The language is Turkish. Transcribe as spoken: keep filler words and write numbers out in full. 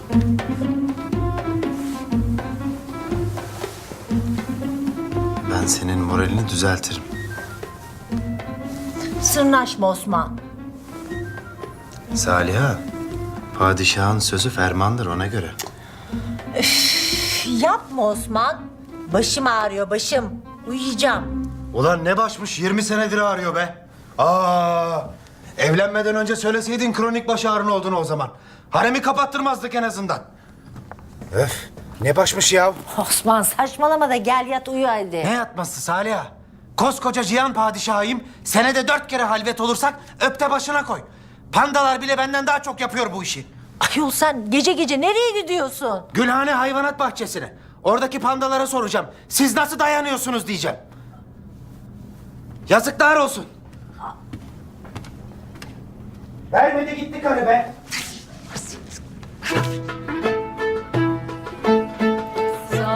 Ben senin moralini düzeltirim. Sırnaşma Osman. Saliha, padişahın sözü fermandır ona göre. Yapma Osman. Başım ağrıyor başım. Uyuyacağım. Ulan ne başmış, yirmi senedir ağrıyor be. Aa, evlenmeden önce söyleseydin kronik baş ağrın olduğunu o zaman. Haremi kapattırmazdık en azından. Öf, ne başmış ya? Osman saçmalama da gel yat uyu hadi. Ne yatması Saliha? Koskoca Cihan padişahıyım. Senede dört kere halvet olursak öpte başına koy. Pandalar bile benden daha çok yapıyor bu işi. Ayol sen gece gece nereye gidiyorsun? Gülhane Hayvanat Bahçesi'ne. Oradaki pandalara soracağım. Siz nasıl dayanıyorsunuz diyeceğim. Yazıklar olsun. Vermedi gitti karı be.